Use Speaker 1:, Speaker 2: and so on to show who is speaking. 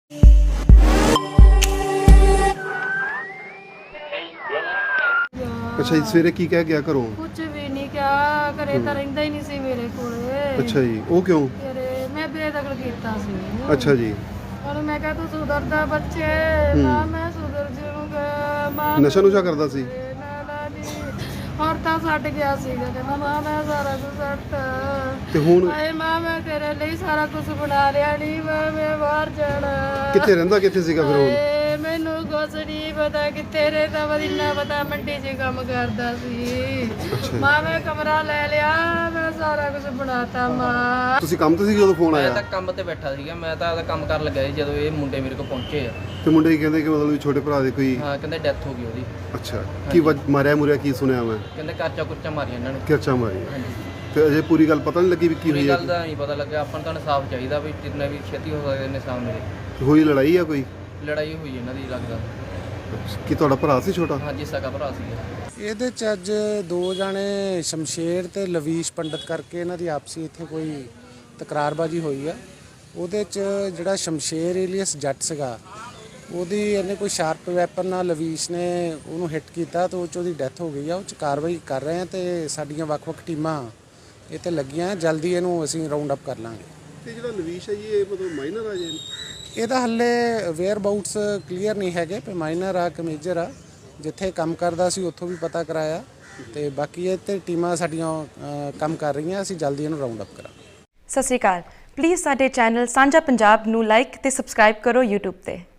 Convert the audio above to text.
Speaker 1: अच्छा जी, सवेरे की कह गया घरों?
Speaker 2: कुछ भी नहीं क्या घरे ਤਾਂ ਰਹਿੰਦਾ ਹੀ ਨਹੀਂ ਸੀ ਮੇਰੇ ਕੋਲੇ।
Speaker 1: अच्छा जी, ਉਹ ਕਿਉਂ?
Speaker 2: ਘਰੇ ਮੈਂ ਬੇਦਖਲ ਕੀਤਾ ਸੀ।
Speaker 1: अच्छा जी,
Speaker 2: ਉਹਨੂੰ ਮੈਂ ਕਿਹਾ ਤੂੰ ਸੁਧਰਦਾ ਬੱਚੇ, ਮਾਂ ਮੈਂ ਸੁਧਰ ਜਾਊਂਗਾ ਮਾਂ।
Speaker 1: ਨਸ਼ਾ ਨੁਸ਼ਾ ਕਰਦਾ ਸੀ?
Speaker 2: ਹੋਰ ਤਾਂ ਛੱਡ ਗਿਆ ਸੀਗਾ, ਕਹਿੰਦਾ ਮਾਂ ਮੈਂ ਸਾਰਾ ਕੁਝ ਛੱਡਤਾ
Speaker 1: ਤੇ ਹੁਣ
Speaker 2: ਹਾਏ ਮਾਂ ਮੈਂ ਤੇਰੇ ਲਈ ਸਾਰਾ ਕੁਝ ਬਣਾ ਲਿਆ ਨਹੀਂ ਮਾਂ ਮੈਂ ਬਾਹਰ ਜਾਣਾ।
Speaker 1: ਕਿੱਥੇ ਰਹਿੰਦਾ, ਕਿੱਥੇ ਸੀਗਾ ਫਿਰ ਹੁਣ?
Speaker 2: ਹਾਏ ਮੈਨੂੰ ਕੁਛ ਨਹੀਂ ਪਤਾ ਕਿੱਥੇ ਰਹਿੰਦਾ ਵਾ, ਇੰਨਾ ਪਤਾ ਮੰਡੀ 'ਚ ਕੰਮ ਕਰਦਾ ਸੀ। ਮਾਂ ਮੈਂ ਕਮਰਾ ਲੈ ਲਿਆ, ਮੈਂ ਸਾਰਾ ਕੁਝ ਬਣਾਤਾ ਮਾਂ।
Speaker 1: ਤੁਸੀਂ ਕੰਮ ਤੇ ਸੀ ਜਦੋਂ ਫੋਨ
Speaker 3: ਮੈਂ
Speaker 1: ਆਇਆ?
Speaker 3: ਤਾਂ ਕੰਮ ਤੇ ਬੈਠਾ ਸੀਗਾ, ਮੈਂ ਤਾਂ ਆਪਦਾ ਕੰਮ ਕਰਨ ਲੱਗਾ ਸੀ ਜਦੋਂ ਇਹ ਮੁੰਡੇ ਮੇਰੇ ਕੋਲ ਪਹੁੰਚੇ ਆ।
Speaker 1: ਤੇ ਮੁੰਡੇ ਕੀ ਕਹਿੰਦੇ ਕਿ ਮਤਲਬ ਵੀ ਛੋਟੇ ਭਰਾ ਦੇ ਕੋਈ?
Speaker 3: ਹਾਂ ਕਹਿੰਦੇ ਡੈਥ ਹੋ ਗਈ ਉਹਦੀ।
Speaker 1: ਅੱਛਾ, ਕੀ ਮਾਰਿਆ ਮੁਰਿਆ ਕੀ ਸੁਣਿਆ ਮੈਂ?
Speaker 3: ਕਹਿੰਦੇ ਕਰਚਾ ਕੁਰਚਾ ਮਾਰੀ ਇਹਨਾਂ ਨੇ।
Speaker 1: ਕਿਰਚਾ ਮਾਰੀ?
Speaker 3: ਹਾਂਜੀ,
Speaker 1: ਤੇ ਅਜੇ ਪੂਰੀ ਗੱਲ ਪਤਾ ਨਹੀਂ ਲੱਗੀ ਵੀ ਕੀ
Speaker 3: ਪੂਰੀ
Speaker 1: ਹੋਈ
Speaker 3: ਗੱਲ
Speaker 1: ਹੈ?
Speaker 3: ਦਾ ਨਹੀਂ ਪਤਾ ਲੱਗਿਆ। ਆਪਾਂ ਨੂੰ ਤਾਂ ਇਨਸਾਫ ਚਾਹੀਦਾ ਵੀ ਜਿੰਨਾ ਵੀ ਛੇਤੀ ਹੋ ਸਕਦਾ ਇਨਸਾਫ ਮਿਲੇ।
Speaker 1: ਹੋਈ ਲੜਾਈ ਆ ਕੋਈ?
Speaker 3: ਲੜਾਈ ਹੋਈ ਇਹਨਾਂ ਦੀ ਲੱਗਦਾ।
Speaker 1: ਕੀ ਤੁਹਾਡਾ ਭਰਾ ਸੀ ਛੋਟਾ?
Speaker 3: ਹਾਂਜੀ ਸਕਾ ਭਰਾ ਸੀਗਾ।
Speaker 4: ਇਹਦੇ ਚ ਅੱਜ ਦੋ ਜਾਣੇ ਸ਼ਮਸ਼ੇਰ ਤੇ ਲਵੀਸ਼ ਪੰਡਤ ਕਰਕੇ ਇਹਨਾਂ ਦੀ ਆਪਸੀ ਇੱਥੇ ਕੋਈ ਤਕਰਾਰਬਾਜੀ ਹੋਈ ਆ। ਉਹਦੇ ਚ ਜਿਹੜਾ ਸ਼ਮਸ਼ੇਰ ਏਲੀਅਸ ਜੱਟ ਸੀਗਾ, ਉਹਦੀ ਇਹਨੇ ਕੋਈ ਸ਼ਾਰਪ ਵੈਪਨ ਨਾਲ ਲਵੀਸ਼ ਨੇ ਉਹਨੂੰ ਹਿੱਟ ਕੀਤਾ ਤੇ ਉਹ 'ਚ ਉਹਦੀ ਡੈਥ ਹੋ ਗਈ ਆ। ਉਹ 'ਚ ਕਾਰਵਾਈ ਕਰ ਰਹੇ ਆ ਤੇ ਸਾਡੀਆਂ ਵੱਖ-ਵੱਖ ਟੀਮਾਂ ਇਹ ਤੇ ਲੱਗੀਆਂ। ਜਲਦੀ ਇਹਨੂੰ ਅਸੀਂ ਰਾਉਂਡ ਅਪ ਕਰ ਲਾਂਗੇ।
Speaker 1: ਤੇ ਜਿਹੜਾ ਲਵੀਸ਼ ਹੈ ਜੀ, ਇਹ ਮਤਲਬ ਮਾਈਨਰ ਆ ਜੀ?
Speaker 4: ਇਹਦਾ ਹੱਲੇ ਵੇਅਰ ਅਬਾਊਟਸ ਕਲੀਅਰ ਨਹੀਂ ਹੈਗੇ, ਪਰ ਮਾਈਨਰ ਆ ਕਿ ਮੇਜਰ ਆ। ਜਿੱਥੇ ਕੰਮ ਕਰਦਾ ਸੀ ਉੱਥੋਂ ਵੀ ਪਤਾ ਕਰਾਇਆ ਤੇ ਬਾਕੀ ਇਹ ਤੇ ਟੀਮਾਂ ਸਾਡੀਆਂ ਕੰਮ ਕਰ ਰਹੀਆਂ। ਅਸੀਂ ਜਲਦੀ ਇਹਨੂੰ ਰਾਉਂਡ ਅਪ ਕਰਾਂਗੇ।
Speaker 5: ਸਤਿ ਸ਼੍ਰੀ ਅਕਾਲ। ਪਲੀਜ਼ ਸਾਡੇ ਚੈਨਲ ਸਾਂਝਾ ਪੰਜਾਬ ਨੂੰ ਲਾਈਕ ਤੇ ਸਬਸਕ੍ਰਾਈਬ ਕਰੋ YouTube ਤੇ।